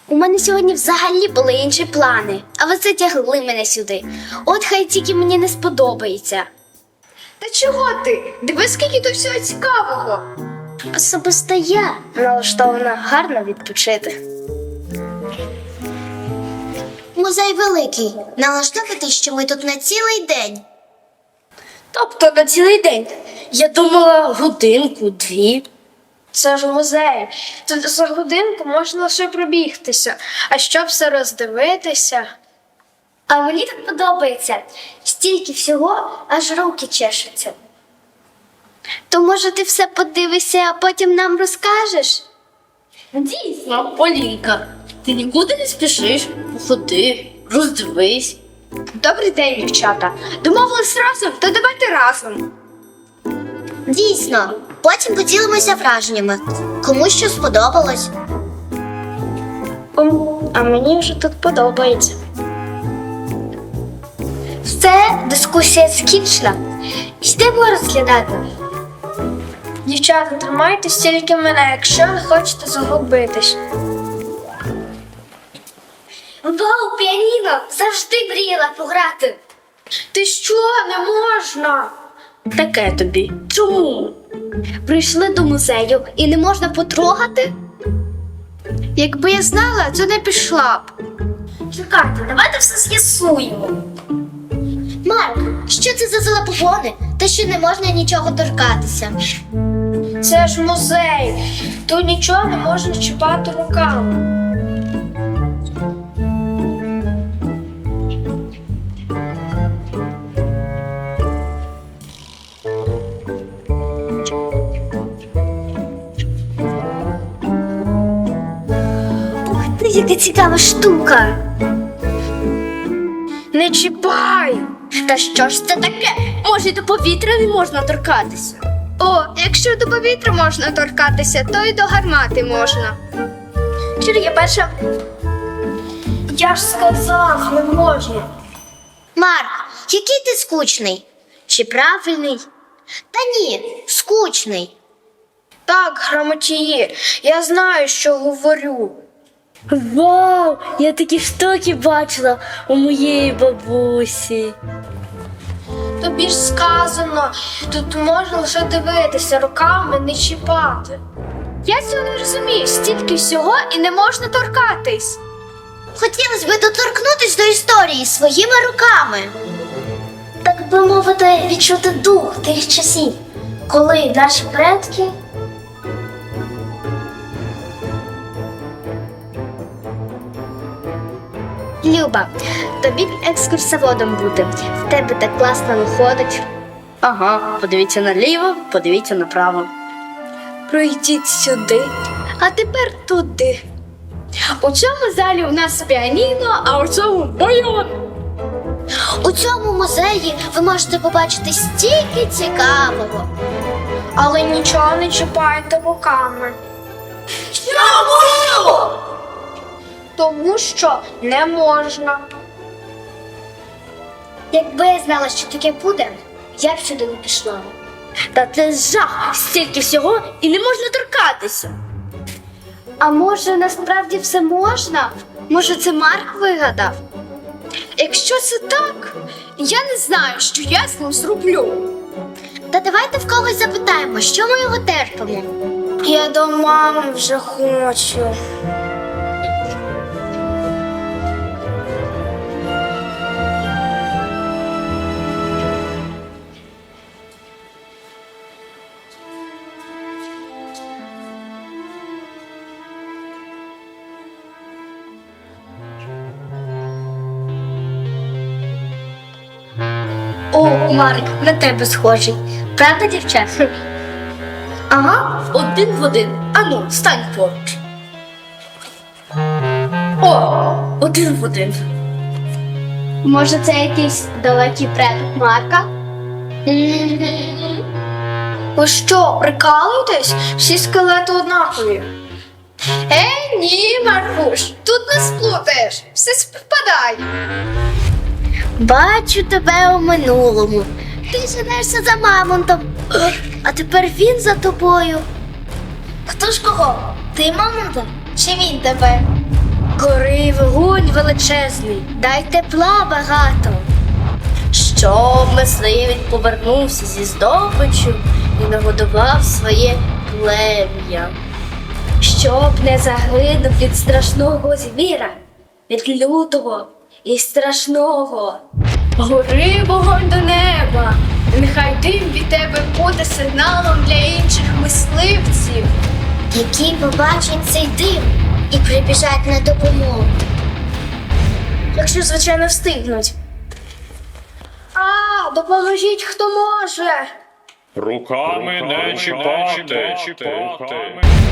У мене сьогодні взагалі були інші плани, а ви затягли мене сюди. От хай тільки мені не сподобається. Та чого ти? Дивись, скільки тут всього цікавого. Особисто я налаштована гарно відпочити. Музей великий. Налаштовуйтесь, що ми тут на цілий день. Тобто на цілий день. Я думала годинку-дві. Це ж музей. Тут за годинку можна лише пробігтися. А щоб все роздивитися. А мені так подобається. Стільки всього, аж руки чешуться. То може ти все подивишся, а потім нам розкажеш? Дійсно, Полінка, ти нікуди не спішиш, походи, роздивись. Добрий день, дівчата. Домовились разом, то давайте разом. Дійсно, потім поділимося враженнями. Кому що сподобалось. А мені вже тут подобається. Все, дискусія скінчена. Йдемо розглядати. Дівчата, тримайтесь тільки мене, якщо не хочете загубитись. Вау, піаніно! Завжди мріяла пограти. Ти що, не можна? Таке тобі. Чому? Прийшли до музею і не можна потрогати? Якби я знала, то не пішла б. Чекайте, давайте все з'ясуємо. Марк, що це за залапогони? Та що не можна нічого торкатися. Це ж музей. Тут нічого не можна чіпати руками. Ух ти, яка цікава штука. Не чіпай! Та що ж це таке? Може, до повітря не можна торкатися? О, якщо до повітря можна торкатися, то й до гармати можна. Чи я перша? Я ж сказав, не можна. Марк, який ти скучний? Чи правильний? Та ні, скучний. Так, грамотії, я знаю, що говорю. Вау! Я такі штуки бачила у моєї бабусі. Тобі ж сказано, тут можна лише дивитися, руками не чіпати. Я цього не розумію, стільки всього і не можна торкатись. Хотілося б доторкнутись до історії своїми руками. Так би мовити, відчути дух тих часів, коли наші предки. Люба, тобі б екскурсоводом бути. В тебе так класно виходить. Ага, подивіться наліво, подивіться направо. Пройдіть сюди, а тепер туди. У цьому залі у нас піаніно, а у цьому баян. У цьому музеї ви можете побачити стільки цікавого. Але нічого не чіпайте руками. Чому? Тому що не можна. Якби я знала, що таке буде, я б сюди не пішла. Та це жах! Стільки всього і не можна торкатися. А може, насправді все можна? Може, це Марк вигадав? Якщо це так, я не знаю, що я з ним зроблю. Та давайте в когось запитаємо, що ми його терпимо. Я до мами вже хочу. О, Марк, на тебе схожий. Правда, дівчат? Ага, один в один. Ану, стань поруч. О, один в один. Може, це якийсь далекий предок Марка? Ви що, прикалуєтесь? Всі скелети однакові. Ні, Маркуш, тут не сплутаєш, все співпадає. Бачу тебе у минулому. Ти женешся за мамонтом, а тепер він за тобою. Хто ж кого? Ти мамонта? Чи він тебе? Гори вогонь величезний, дай тепла багато, Щоб мисливець повернувся зі здобичю і нагодував своє плем'я. щоб не загинув від страшного звіра, від лютого і страшного. гори вогонь до неба. Нехай дим від тебе буде сигналом для інших мисливців. Які побачать цей дим і прибіжать на допомогу. Якщо, звичайно, встигнуть. А, допоможіть, хто може. Руками не чіпати.